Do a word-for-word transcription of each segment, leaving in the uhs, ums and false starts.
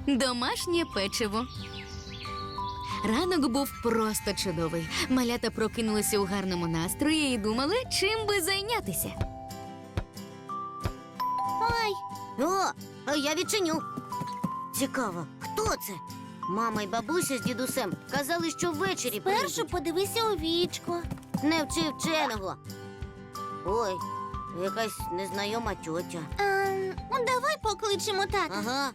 Домашнє печиво. Ранок був просто чудовий. Малята прокинулися у гарному настрої і думали, чим би зайнятися. Ой, о, а я відчиню. Цікаво, хто це? Мама й бабуся з дідусем казали, що ввечері Першу прийдуть. подивися у вічко. Не вчи вченого. Ой, якась незнайома тьотя. А, давай покличемо тата. Ага.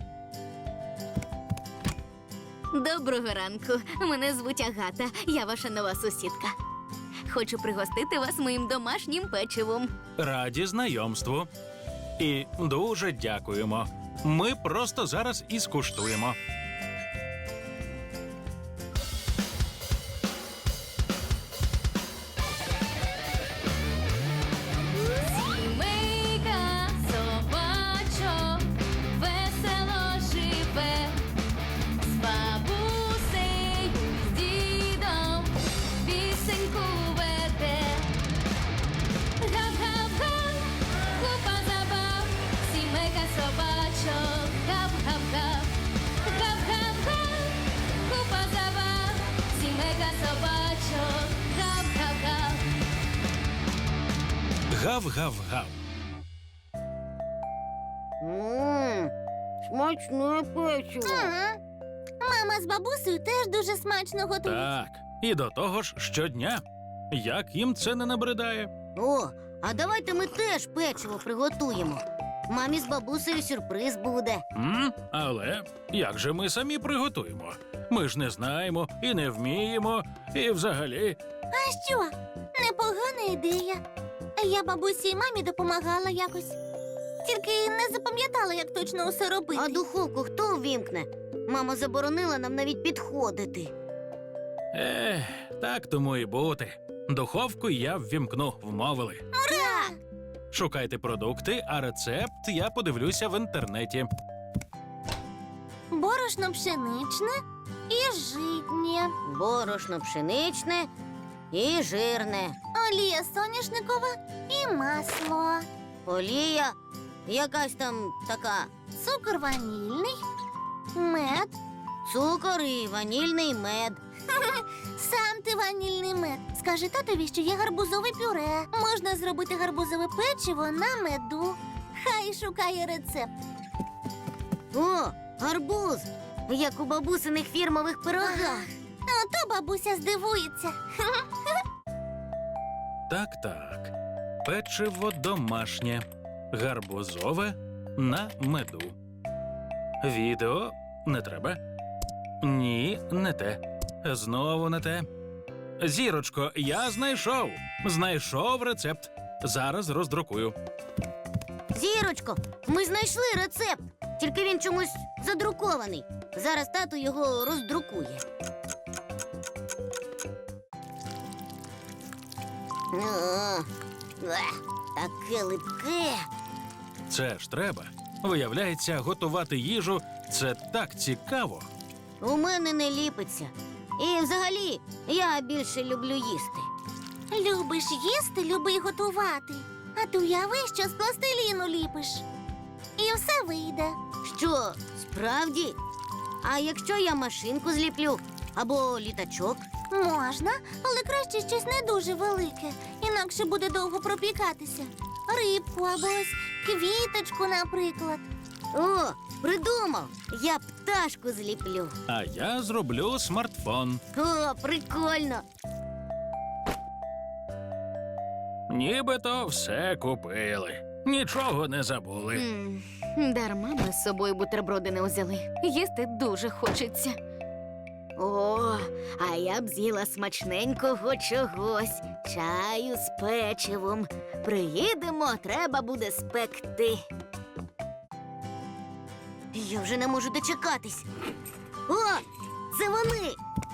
Доброго ранку. Мене звуть Агата. Я ваша нова сусідка. Хочу пригостити вас моїм домашнім печивом. Раді знайомству. І дуже дякуємо. Ми просто зараз і скуштуємо. Сімейка собачок весело живе, з бабусею, з дідом пісеньку веде. Гав-гав-га, купа забав, сімейка собачок, гав-гав-гав. Гав-гав-га, купа забав, сімейка собачок, гав-гав-гав. Гав-гав-гав. Ммм, смачне печиво. Ага. Мама з бабусею теж дуже смачно готують. Так. І до того ж щодня. Як їм це не набридає? О, а давайте ми теж печиво приготуємо. Мамі з бабусею сюрприз буде. М? Але як же ми самі приготуємо? Ми ж не знаємо і не вміємо, і взагалі. А що? Непогана ідея. Я бабусі і мамі допомагала якось. Тільки не запам'ятала, як точно усе робити. А духовку хто увімкне? Мама заборонила нам навіть підходити. Ех, так тому і бути. Духовку я ввімкну, вмовили. Ура! Шукайте продукти, а рецепт я подивлюся в інтернеті. Борошно пшеничне і житнє. Борошно пшеничне і жирне. Олія соняшникова і масло. Олія якась там така. Цукор ванільний, мед. Цукор і ванільний мед. Сам ти ванільний мед. Скажи татові, що є гарбузове пюре. Можна зробити гарбузове печиво на меду. Хай шукає рецепт. О, гарбуз! Як у бабусиних фірмових пирогах. Ото бабуся здивується. Так-так. Печиво домашнє. Гарбузове на меду. Відео не треба. Ні, не те. Знову не те. Зірочко, я знайшов. Знайшов рецепт. Зараз роздрукую. Зірочко, ми знайшли рецепт. Тільки він чомусь задрукований. Зараз тато його роздрукує. О, ех, таке липке. Це ж треба. Виявляється, готувати їжу – це так цікаво. У мене не ліпиться. І взагалі, я більше люблю їсти. Любиш їсти, люби й готувати. А ти уяви, що з пластиліну ліпиш. І все вийде. Що, справді? А якщо я машинку зліплю або літачок? Можна, але краще щось не дуже велике, інакше буде довго пропікатися. Рибку або ось квіточку, наприклад. О, придумав! Я пташку зліплю. А я зроблю смартфон. О, прикольно! Нібито все купили. Нічого не забули. М, Дарма ми з собою бутерброди не взяли. Їсти дуже хочеться. О, а я б з'їла смачненького чогось. Чаю з печивом. Приїдемо, треба буде спекти. Я вже не можу дочекатись. О, це вони!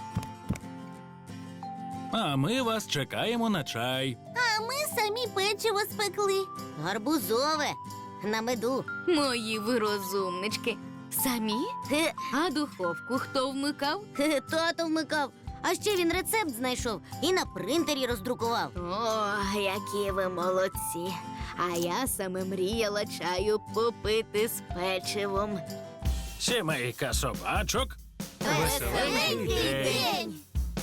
А ми вас чекаємо на чай. А ми самі печиво спекли. Гарбузове на меду. Мої ви розумнички. Самі? Хе, А духовку хто вмикав? хе, тато вмикав. А ще він рецепт знайшов і на принтері роздрукував. О, які ви молодці. А я саме мріяла чаю попити з печивом. Сімейка собачок. Веселенький день!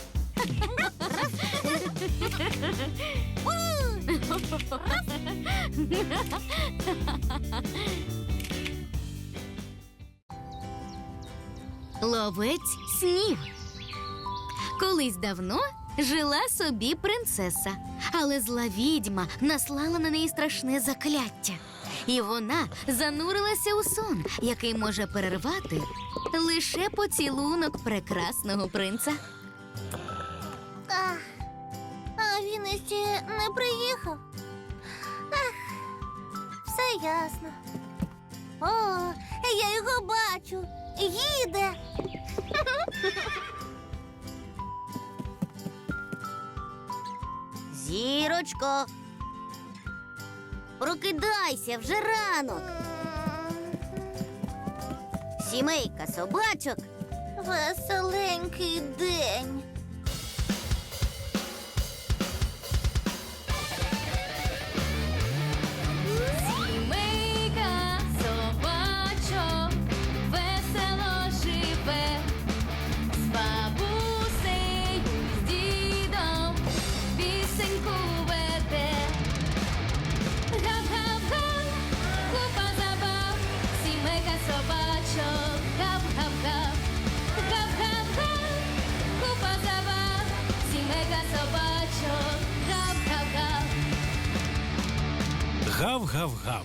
Ловець снів. Колись давно жила собі принцеса, але зла відьма наслала на неї страшне закляття. І вона занурилася у сон, який може перервати лише поцілунок прекрасного принца. А, а він іще не приїхав. Ах, все ясно. О, я його бачу. Їде. Зірочко, прокидайся, вже ранок. Сімейка собачок. Веселенький день. Сімейка собачок весело живе, з бабусею, з дідом пісеньку веде. Гап-гап-га, купа забав, сімейка собачок, гап-гап-гап. Гап-гап-га, купа забав, сімейка собачок, гап-гап-гап. Гав-гав-гав.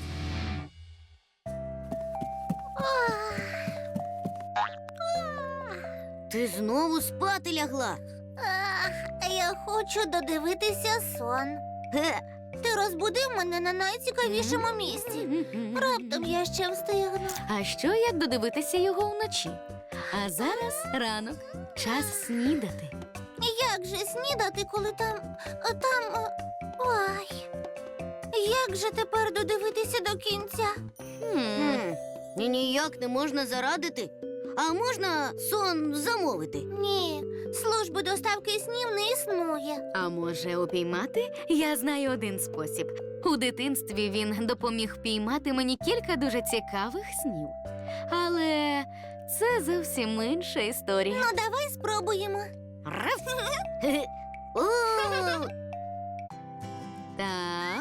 Ти знову спати лягла. Ах, я хочу додивитися сон. Ге, Ти розбудив мене на найцікавішому місці. Раптом я ще встигну. А що як додивитися його вночі? А зараз ранок, час снідати. Як же снідати, коли там. там. е, Ой. Як же тепер додивитися до кінця? Хм. Хм, і ніяк не можна зарадити. А можна сон замовити? Ні, служби доставки снів не існує. А може упіймати? Я знаю один спосіб. У дитинстві він допоміг впіймати мені кілька дуже цікавих снів. Але це зовсім інша історія. Ну, давай спробуємо. Раф. Хе-хе. О, Так.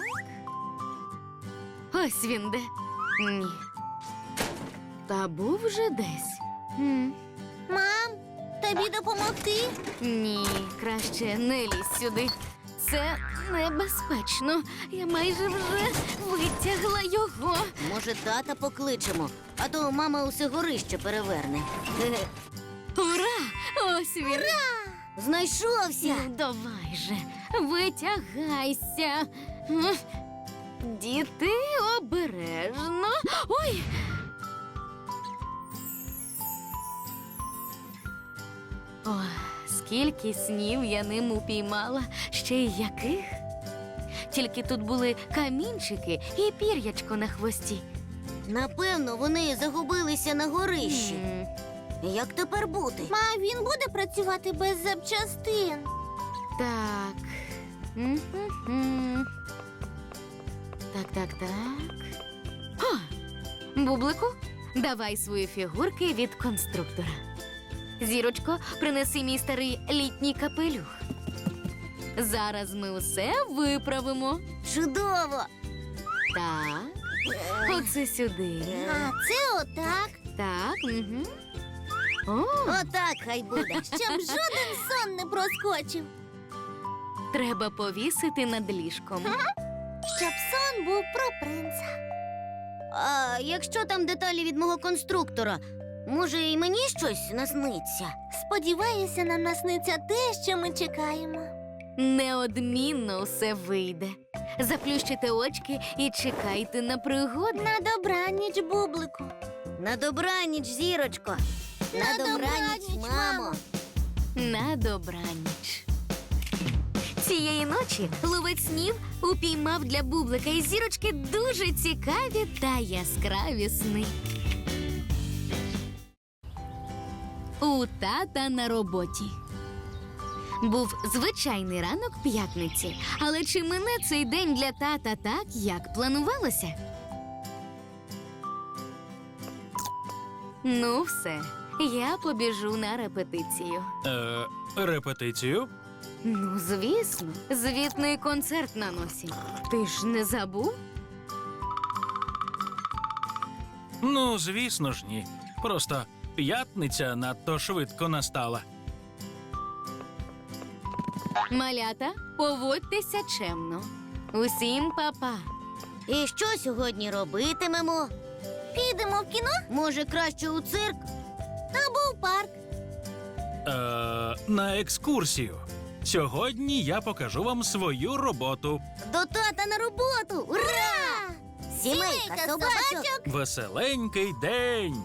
Ось він де. Ні. Та був вже десь. М. Мам, тобі допомогти? Ні, краще не лізь сюди. Це небезпечно. Я майже вже витягла його. може, тата покличемо, а то мама усе горище переверне. Хе-хе. Ура! Ось він. Знайшовся. Ну, давай же, витягайся. М. Діти, обережно. Ой. О, скільки снів я ним упіймала, ще й яких. Тільки тут були камінчики і пір'ячко на хвості. Напевно, вони загубилися на горищі. М. Як тепер бути? Ма, він буде працювати без запчастин. Так. М-м-м. Так, так, так. О! Бублику, давай свої фігурки від конструктора. Зірочко, принеси мій старий літній капелюх. Зараз ми усе виправимо. Чудово! Так. Оце сюди. А це отак, Так. Угу. О, Отак хай буде. щоб жоден сон не проскочив. треба повісити над ліжком. Щоб сон був про принца. А якщо там деталі від мого конструктора, може, і мені щось насниться? Сподіваюся, нам насниться те, що ми чекаємо. Неодмінно все вийде. Заплющите очки і чекайте на пригоди. На добраніч, бублику. На добраніч, зірочко. На, добраніч, мамо. На добраніч. Цієї ночі ловець снів упіймав для бублика і зірочки дуже цікаві та яскраві сни. У тата на роботі. Був звичайний ранок п'ятниці, але чи мине цей день для тата так, як планувалося? Ну, все. Я побіжу на репетицію. Е, репетицію? Ну, звісно, звітний концерт на носі. Ти ж не забув? Ну, звісно ж, ні. Просто п'ятниця надто швидко настала. Малята, поводьтеся чемно. Усім па-па. І що сьогодні робитимемо? Підемо в кіно Може, краще у цирк? або в парк. Е, на екскурсію. Сьогодні я покажу вам свою роботу. До тата на роботу! Ура! Сімейка собачок! Веселенький день.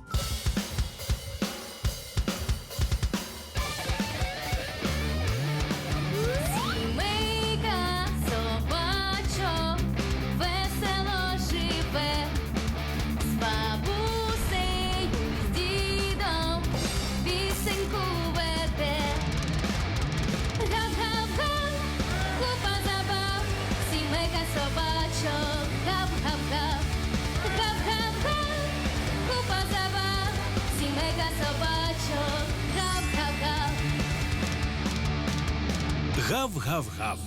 Сімейка собачок весело живе, з бабусею, з дідом пісеньку веде. Гав-гав-га, купа забав, сімейка собачок, гав-гав-гав. Гав-гав-га, купа забав, сімейка собачок, гав-гав-гав. Гав-гав-гав.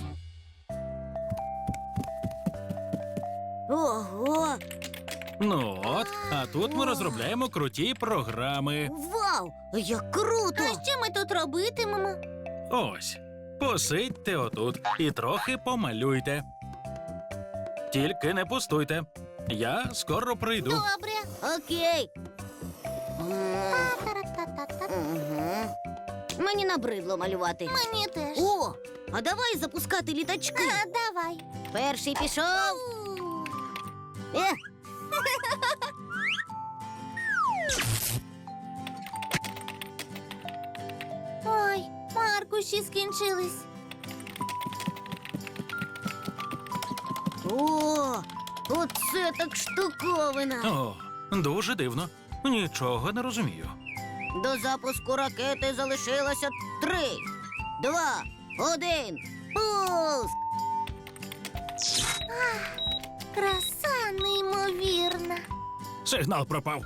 Ого! Ну от, а тут ми розробляємо круті програми. Вау! Як круто! А що ми тут робитимемо? Ось, посидьте отут і трохи помалюйте. Тільки не пустуйте. Я скоро прийду. Добре. Окей. М, Та-та-та-та-та. мгм. Мені набридло малювати. Мені теж. О, а давай запускати літачки. А, давай. Перший пішов. У. Е, Ой, маркуші скінчились. о, оце так штуковина. О, дуже дивно. Нічого не розумію. До запуску ракети залишилося три, два, один. Пуск! Краса неймовірна. Сигнал пропав.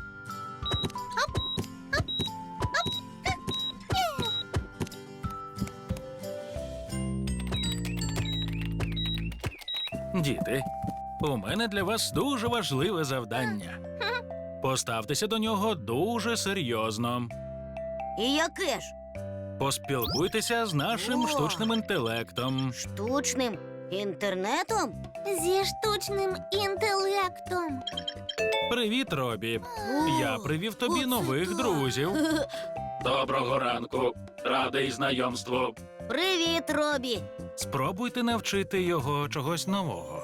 Діти, у мене для вас дуже важливе завдання. Поставтеся до нього дуже серйозно. І яке ж? Поспілкуйтеся з нашим О! штучним інтелектом. Штучним інтернетом? Зі штучним інтелектом. Привіт, Робі. О, Я привів тобі оце нових так. друзів. Доброго ранку. Радий знайомству. Привіт, Робі. Спробуйте навчити його чогось нового.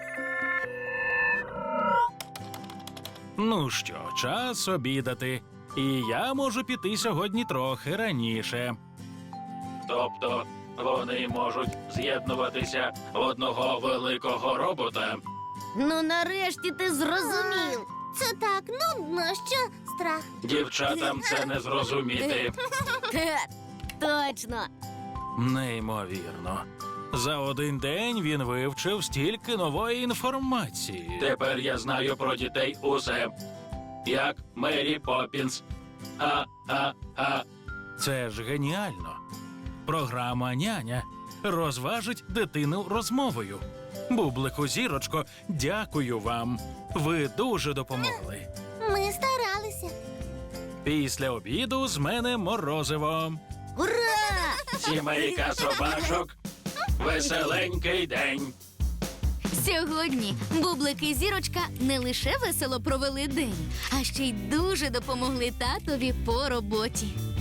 Ну що, час обідати. І я можу піти сьогодні трохи раніше. Тобто вони можуть з'єднуватися в одного великого робота. Ну, нарешті ти зрозумів. Це так нудно, що страх. Дівчатам це не зрозуміти. Хе, точно. Неймовірно. За один день він вивчив стільки нової інформації. Тепер я знаю про дітей усе. Як Мері Поппінс. А-а-а. Це ж геніально. Програма «Няня» розважить дитину розмовою. Бублику, зірочко, дякую вам. Ви дуже допомогли. Ми старалися. Після обіду з мене морозиво. Ура! Сімейка собачок. Веселенький день. Сьогодні Бублик і Зірочка не лише весело провели день, а ще й дуже допомогли татові по роботі.